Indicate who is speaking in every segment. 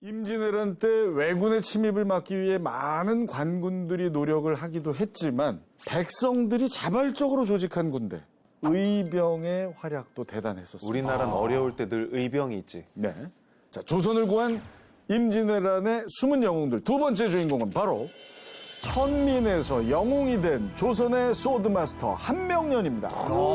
Speaker 1: 임진왜란 때 왜군의 침입을 막기 위해 많은 관군들이 노력을 하기도 했지만 백성들이 자발적으로 조직한 군대, 의병의 활약도 대단했었습니다.
Speaker 2: 우리나라는 어려울 때 늘 의병이 있지.
Speaker 1: 네. 자, 조선을 구한 임진왜란의 숨은 영웅들 두 번째 주인공은 바로 천민에서 영웅이 된 조선의 소드마스터 한명년입니다.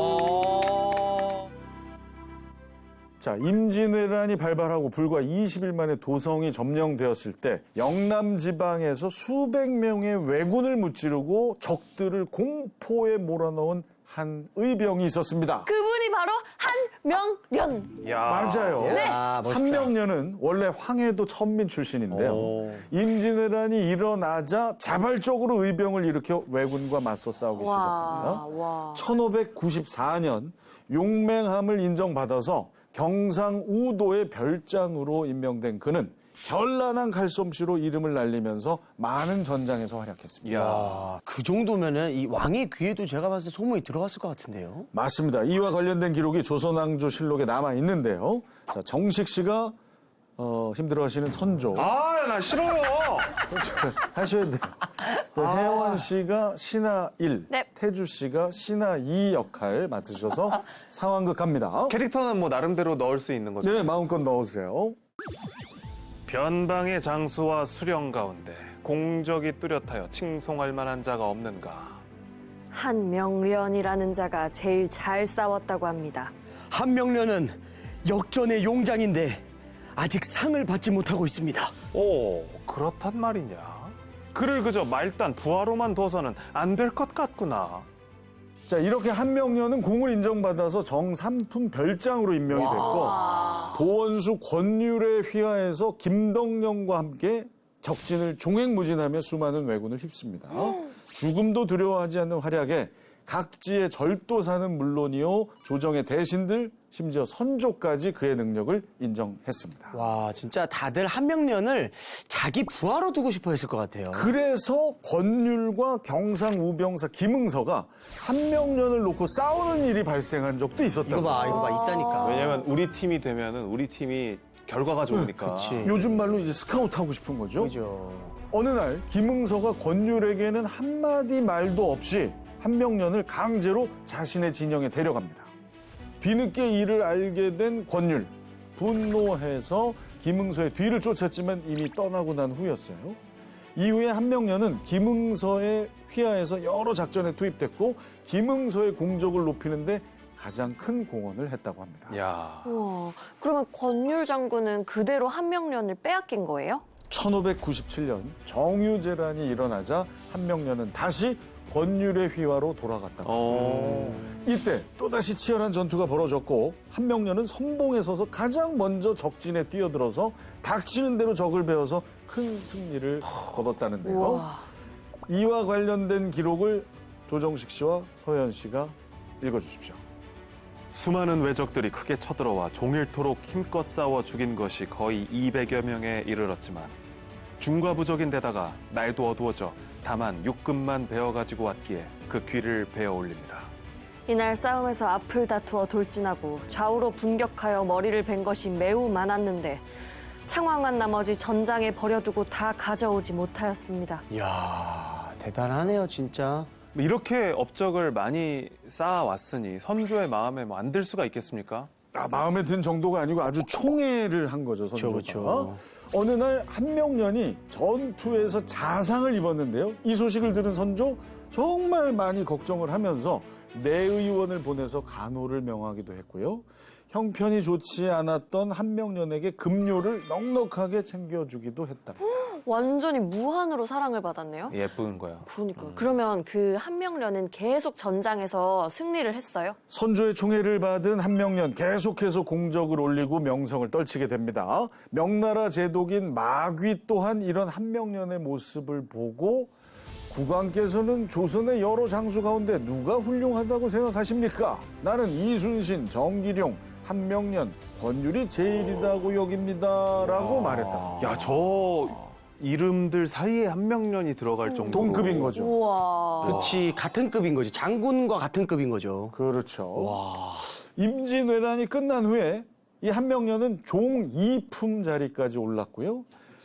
Speaker 1: 자, 임진왜란이 발발하고 불과 20일 만에 도성이 점령되었을 때 영남 지방에서 수백 명의 왜군을 무찌르고 적들을 공포에 몰아넣은 한 의병이 있었습니다.
Speaker 3: 그분이 바로 한명년.
Speaker 2: 야.
Speaker 1: 맞아요.
Speaker 3: 네.
Speaker 1: 한명년은 원래 황해도 천민 출신인데요. 임진왜란이 일어나자 자발적으로 의병을 일으켜 왜군과 맞서 싸우기 시작합니다.
Speaker 3: 와.
Speaker 1: 1594년 용맹함을 인정받아서 경상우도의 별장으로 임명된 그는 현란한 칼솜씨로 이름을 날리면서 많은 전장에서 활약했습니다.
Speaker 2: 야.
Speaker 4: 그 정도면은 이 왕의 귀에도 제가 봤을 때 소문이 들어갔을 것 같은데요.
Speaker 1: 맞습니다. 이와 관련된 기록이 조선왕조실록에 남아 있는데요. 자, 정식 씨가 힘들어하시는 선조
Speaker 2: 아, 나 싫어요.
Speaker 1: 하셔야 돼요. 그 혜원 씨가 신하 1,
Speaker 3: 네.
Speaker 1: 태주 씨가 신하 2 역할 맡으셔서 상황극 갑니다.
Speaker 2: 캐릭터는 뭐 나름대로 넣을 수 있는 거죠.
Speaker 1: 네, 마음껏 넣으세요.
Speaker 2: 변방의 장수와 수령 가운데 공적이 뚜렷하여 칭송할 만한 자가 없는가.
Speaker 3: 한명련이라는 자가 제일 잘 싸웠다고 합니다.
Speaker 4: 한명련은 역전의 용장인데 아직 상을 받지 못하고 있습니다.
Speaker 2: 오, 그렇단 말이냐. 그를 그저 말단 부하로만 둬서는 안 될 것 같구나.
Speaker 1: 자, 이렇게 한명년은 공을 인정받아서 정삼품 별장으로 임명이 됐고 도원수 권율에 휘하해서 김덕령과 함께 적진을 종횡무진하며 수많은 왜군을 휩습니다. 죽음도 두려워하지 않는 활약에 각지의 절도사는 물론이요 조정의 대신들 심지어 선조까지 그의 능력을 인정했습니다.
Speaker 4: 와, 진짜 다들 한명련을 자기 부하로 두고 싶어 했을 것 같아요.
Speaker 1: 그래서 권율과 경상우병사 김응서가 한명년을 놓고 싸우는 일이 발생한 적도 있었다고.
Speaker 4: 이거 봐, 있다니까.
Speaker 2: 왜냐면 우리 팀이 되면은 우리 팀이 결과가 좋으니까.
Speaker 4: 그치.
Speaker 1: 요즘 말로 이제 스카우트 하고 싶은 거죠.
Speaker 4: 그죠.
Speaker 1: 어느 날 김응서가 권율에게는 한마디 말도 없이 한명년을 강제로 자신의 진영에 데려갑니다. 뒤늦게 이를 알게 된 권율, 분노해서 김응서의 뒤를 쫓았지만 이미 떠나고 난 후였어요. 이후에 한명년은 김응서의 휘하에서 여러 작전에 투입됐고 김응서의 공적을 높이는데 가장 큰 공헌을 했다고 합니다.
Speaker 2: 야.
Speaker 3: 우와. 그러면 권율 장군은 그대로 한명련을 빼앗긴 거예요?
Speaker 1: 1597년 정유재란이 일어나자 한명년은 다시 권율의 휘하로 돌아갔다고 합니다. 이때 또다시 치열한 전투가 벌어졌고 한명년은 선봉에 서서 가장 먼저 적진에 뛰어들어서 닥치는 대로 적을 베어서 큰 승리를 거뒀다는데요.
Speaker 3: 우와.
Speaker 1: 이와 관련된 기록을 조정식 씨와 서현 씨가 읽어주십시오.
Speaker 2: 수많은 왜적들이 크게 쳐들어와 종일토록 힘껏 싸워 죽인 것이 거의 200여 명에 이르렀지만 중과 부적인 데다가 날도 어두워져 다만 육금만 베어가지고 왔기에 그 귀를 베어 올립니다.
Speaker 3: 이날 싸움에서 앞을 다투어 돌진하고 좌우로 분격하여 머리를 벤 것이 매우 많았는데 창황한 나머지 전장에 버려두고 다 가져오지 못하였습니다.
Speaker 4: 이야, 대단하네요, 진짜.
Speaker 2: 이렇게 업적을 많이 쌓아왔으니 선조의 마음에 뭐 안 들 수가 있겠습니까?
Speaker 1: 마음에 든 정도가 아니고 아주 총애를 한 거죠, 선조가.
Speaker 4: 그쵸.
Speaker 1: 어느 날 한명년이 전투에서 자상을 입었는데요. 이 소식을 들은 선조 정말 많이 걱정을 하면서 내의원을 보내서 간호를 명하기도 했고요. 형편이 좋지 않았던 한명년에게 급료를 넉넉하게 챙겨주기도 했다.
Speaker 3: 완전히 무한으로 사랑을 받았네요.
Speaker 2: 예쁜 거야.
Speaker 3: 그러니까요. 그러면 그 한명련은 계속 전장에서 승리를 했어요?
Speaker 1: 선조의 총애를 받은 한명년 계속해서 공적을 올리고 명성을 떨치게 됩니다. 명나라 제독인 마귀 또한 이런 한명년의 모습을 보고 국왕께서는 조선의 여러 장수 가운데 누가 훌륭하다고 생각하십니까? 나는 이순신, 정기룡, 한명년, 권율이 제일이라고 여깁니다. 라고 말했다.
Speaker 2: 야, 저 이름들 사이에 한명년이 들어갈 정도로.
Speaker 1: 동급인 거죠.
Speaker 3: 우와.
Speaker 4: 그치, 같은 급인 거지. 장군과 같은 급인 거죠.
Speaker 1: 그렇죠.
Speaker 4: 와.
Speaker 1: 임진왜란이 끝난 후에 이 한명년은 종2품 자리까지 올랐고요.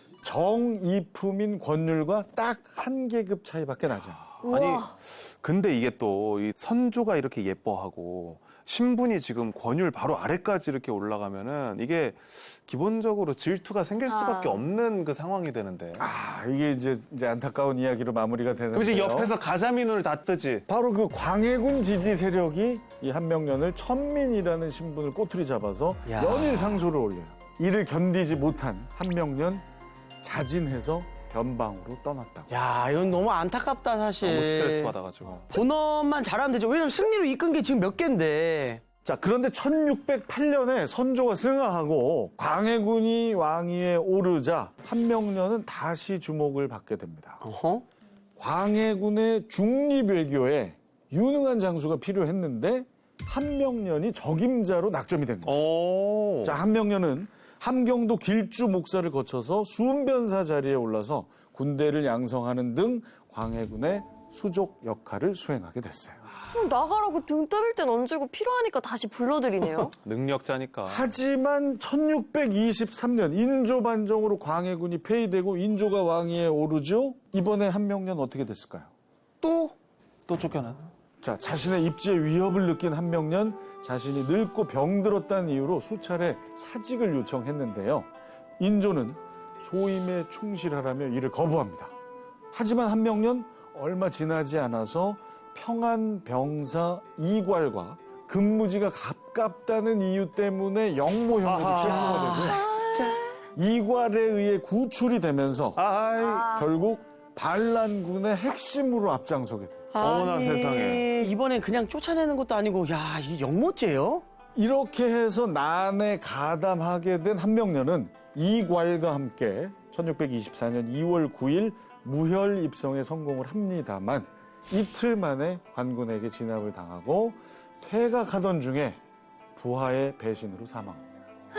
Speaker 1: 정2품인 권율과 딱 한 계급 차이밖에 나지 않아요.
Speaker 2: 아니,
Speaker 3: 우와.
Speaker 2: 근데 이게 또 이 선조가 이렇게 예뻐하고 신분이 지금 권율 바로 아래까지 이렇게 올라가면은 이게 기본적으로 질투가 생길 수밖에 없는 그 상황이 되는데.
Speaker 1: 이게 이제 안타까운 이야기로 마무리가 되는데요.
Speaker 2: 그럼 이제 옆에서 가자미 눈을 다 뜨지.
Speaker 1: 바로 그 광해군 지지 세력이 이 한명년을 천민이라는 신분을 꼬투리 잡아서
Speaker 4: 야.
Speaker 1: 연일 상소를 올려요. 이를 견디지 못한 한명년 자진해서 변방으로 떠났다고.
Speaker 4: 야, 이건 너무 안타깝다, 사실.
Speaker 2: 너무 스트레스 받아가지고.
Speaker 4: 본업만 잘하면 되죠. 왜냐면 승리로 이끈 게 지금 몇 개인데.
Speaker 1: 자, 그런데 1608년에 선조가 승하하고 광해군이 왕위에 오르자 한명년은 다시 주목을 받게 됩니다.
Speaker 4: 어허?
Speaker 1: 광해군의 중립외교에 유능한 장수가 필요했는데 한명년이 적임자로 낙점이 된 거예요.
Speaker 2: 오.
Speaker 1: 자, 한명년은 함경도 길주 목사를 거쳐서 수은변사 자리에 올라서 군대를 양성하는 등 광해군의 수족 역할을 수행하게 됐어요.
Speaker 3: 나가라고 등 떠밀 땐 언제고 필요하니까 다시 불러들이네요.
Speaker 2: 능력자니까.
Speaker 1: 하지만 1623년 인조 반정으로 광해군이 폐위되고 인조가 왕위에 오르죠. 이번에 한명년 어떻게 됐을까요?
Speaker 2: 또 쫓겨나.
Speaker 1: 자, 자신의 입지에 위협을 느낀 한명년, 자신이 늙고 병들었다는 이유로 수차례 사직을 요청했는데요. 인조는 소임에 충실하라며 이를 거부합니다. 하지만 한명년 얼마 지나지 않아서 평안병사 이괄과 근무지가 가깝다는 이유 때문에 영모형으로 체포가 되고요. 이괄에 의해 구출이 되면서 결국 반란군의 핵심으로 앞장서게 돼요.
Speaker 2: 어머나 세상에.
Speaker 4: 이번엔 그냥 쫓아내는 것도 아니고, 야, 이게 영모죄요?
Speaker 1: 이렇게 해서 난에 가담하게 된 한명년은 이괄과 함께 1624년 2월 9일 무혈 입성에 성공을 합니다만 이틀 만에 관군에게 진압을 당하고 퇴각하던 중에 부하의 배신으로 사망합니다.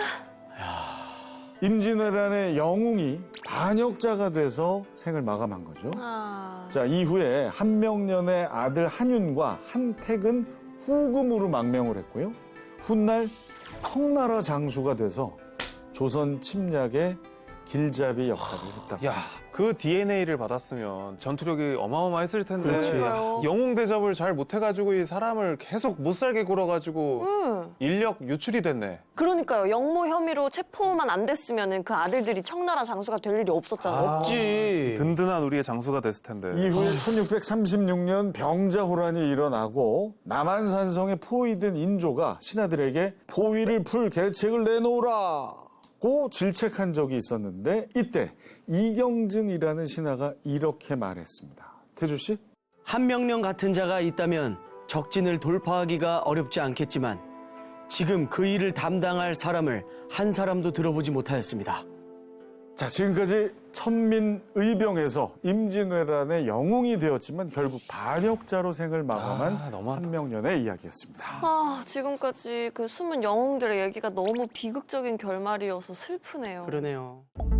Speaker 1: 임진왜란의 영웅이 반역자가 돼서 생을 마감한 거죠. 자, 이후에 한명년의 아들 한윤과 한택은 후금으로 망명을 했고요. 훗날 청나라 장수가 돼서 조선 침략의 길잡이 역할을 했다.
Speaker 2: 야, 그 DNA를 받았으면 전투력이 어마어마했을 텐데.
Speaker 3: 그러니까요.
Speaker 2: 영웅 대접을 잘 못해가지고 이 사람을 계속 못 살게 굴어가지고 인력 유출이 됐네.
Speaker 3: 그러니까요. 영모 혐의로 체포만 안 됐으면 그 아들들이 청나라 장수가 될 일이 없었잖아요.
Speaker 4: 없지.
Speaker 2: 든든한 우리의 장수가 됐을 텐데.
Speaker 1: 이후에 1636년 병자호란이 일어나고 남한산성에 포위된 인조가 신하들에게 포위를 풀 계책을 내놓으라 고 질책한 적이 있었는데 이때 이경증이라는 신하가 이렇게 말했습니다. 태주 씨?
Speaker 4: 한명년 같은 자가 있다면 적진을 돌파하기가 어렵지 않겠지만 지금 그 일을 담당할 사람을 한 사람도 들어보지 못하였습니다.
Speaker 1: 자, 지금까지 천민의병에서 임진왜란의 영웅이 되었지만 결국 반역자로 생을 마감한
Speaker 2: 너무하다.
Speaker 1: 한명년의 이야기였습니다.
Speaker 3: 지금까지 그 숨은 영웅들의 얘기가 너무 비극적인 결말이어서 슬프네요.
Speaker 4: 그러네요.